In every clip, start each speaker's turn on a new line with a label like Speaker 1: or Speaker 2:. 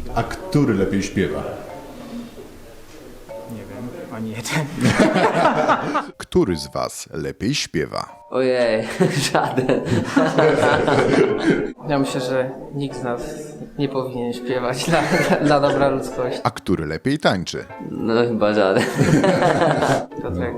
Speaker 1: A który lepiej śpiewa?
Speaker 2: Nie wiem, ani jeden.
Speaker 1: Który z was lepiej śpiewa?
Speaker 3: Ojej, żaden.
Speaker 4: Ja myślę, że nikt z nas nie powinien śpiewać dla dobra ludzkości.
Speaker 1: A który lepiej tańczy?
Speaker 3: No chyba żaden.
Speaker 4: Piotrek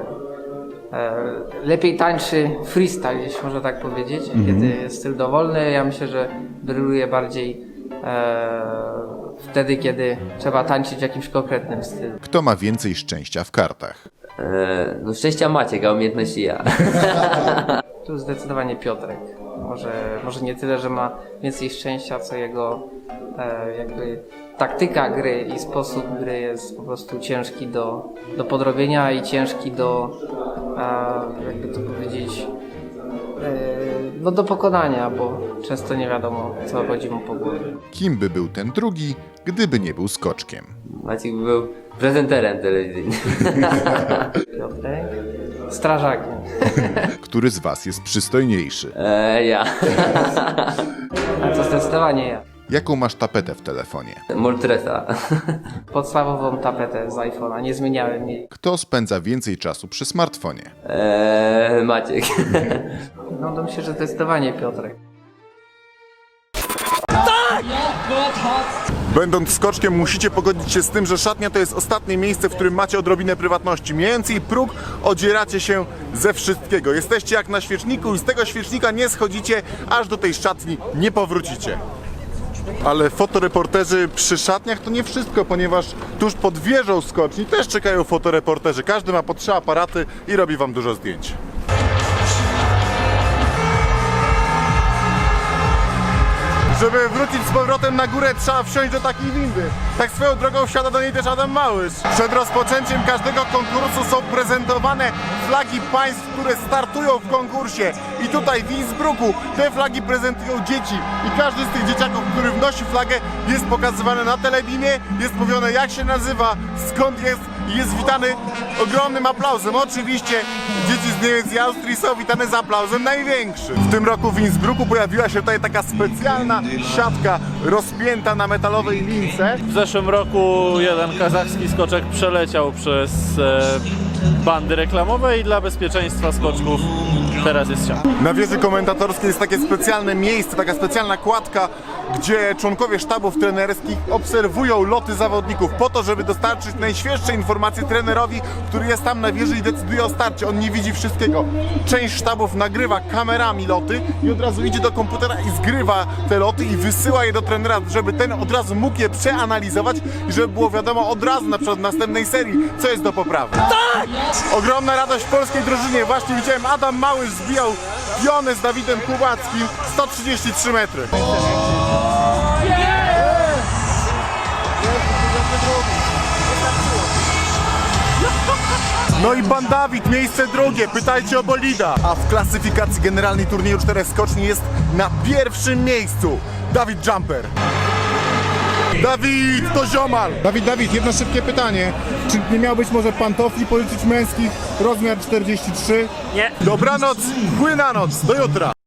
Speaker 4: lepiej tańczy freestyle, jeśli można tak powiedzieć, kiedy jest styl dowolny. Ja myślę, że bryluje bardziej wtedy, kiedy trzeba tańczyć w jakimś konkretnym stylu.
Speaker 1: Kto ma więcej szczęścia w kartach?
Speaker 3: No szczęścia Maciek, a umiejętności ja.
Speaker 4: Tu zdecydowanie Piotrek. Może nie tyle, że ma więcej szczęścia, co jego jakby taktyka gry i sposób gry jest po prostu ciężki do podrobienia i ciężki do jakby to powiedzieć no do pokonania, bo często nie wiadomo, co chodzi mu po głowie.
Speaker 1: Kim by był ten drugi, gdyby nie był skoczkiem?
Speaker 3: Maciek był prezenterem telewizyjnym.
Speaker 4: Piotrek? Strażakiem.
Speaker 1: Który z was jest przystojniejszy?
Speaker 3: Ja.
Speaker 4: A to zdecydowanie ja.
Speaker 1: Jaką masz tapetę w telefonie?
Speaker 3: Moltresa.
Speaker 4: Podstawową tapetę z iPhone'a, nie zmieniałem jej.
Speaker 1: Kto spędza więcej czasu przy smartfonie?
Speaker 3: Maciek.
Speaker 4: No to myślę, że zdecydowanie Piotrek.
Speaker 5: Będąc skoczkiem musicie pogodzić się z tym, że szatnia to jest ostatnie miejsce, w którym macie odrobinę prywatności. Mijając jej próg, odzieracie się ze wszystkiego. Jesteście jak na świeczniku i z tego świecznika nie schodzicie, aż do tej szatni nie powrócicie. Ale fotoreporterzy przy szatniach to nie wszystko, ponieważ tuż pod wieżą skoczni też czekają fotoreporterzy. Każdy ma po 3 aparaty i robi wam dużo zdjęć. Żeby wrócić z powrotem na górę, trzeba wsiąść do takiej windy. Tak swoją drogą wsiada do niej też Adam Małysz. Przed rozpoczęciem każdego konkursu są prezentowane flagi państw, które startują w konkursie. I tutaj w Innsbrucku te flagi prezentują dzieci. I każdy z tych dzieciaków, który wnosi flagę, jest pokazywany na telebimie, jest mówione jak się nazywa, skąd jest i jest witany ogromnym aplauzem. Oczywiście dzieci z Niemiec i Austrii są witane z aplauzem największym. W tym roku w Innsbrucku pojawiła się tutaj taka specjalna siatka rozpięta na metalowej lince.
Speaker 6: W zeszłym roku jeden kazachski skoczek przeleciał przez bandy reklamowe i dla bezpieczeństwa skoczków teraz jest siatka.
Speaker 5: Na wieży komentatorskiej jest takie specjalne miejsce, taka specjalna kładka, gdzie członkowie sztabów trenerskich obserwują loty zawodników po to, żeby dostarczyć najświeższe informacje trenerowi, który jest tam na wieży i decyduje o starcie. On nie widzi wszystkiego. Część sztabów nagrywa kamerami loty i od razu idzie do komputera i zgrywa te loty i wysyła je do trenera, żeby ten od razu mógł je przeanalizować i żeby było wiadomo od razu, na przykład w następnej serii, co jest do poprawy. Tak! Ogromna radość w polskiej drużynie. Właśnie widziałem, Adam Małysz zbijał pionę z Dawidem Kubackim 133 metry. No i Bandawid, miejsce drugie, pytajcie o bolida. A w klasyfikacji generalnej turnieju 4 skoczni jest na pierwszym miejscu Dawid Jumper. Dawid, to ziomal! Dawid, jedno szybkie pytanie. Czy nie miałbyś może pantofli pożyczyć męskich, rozmiar 43?
Speaker 6: Nie.
Speaker 5: Dobranoc, płynanoc, do jutra!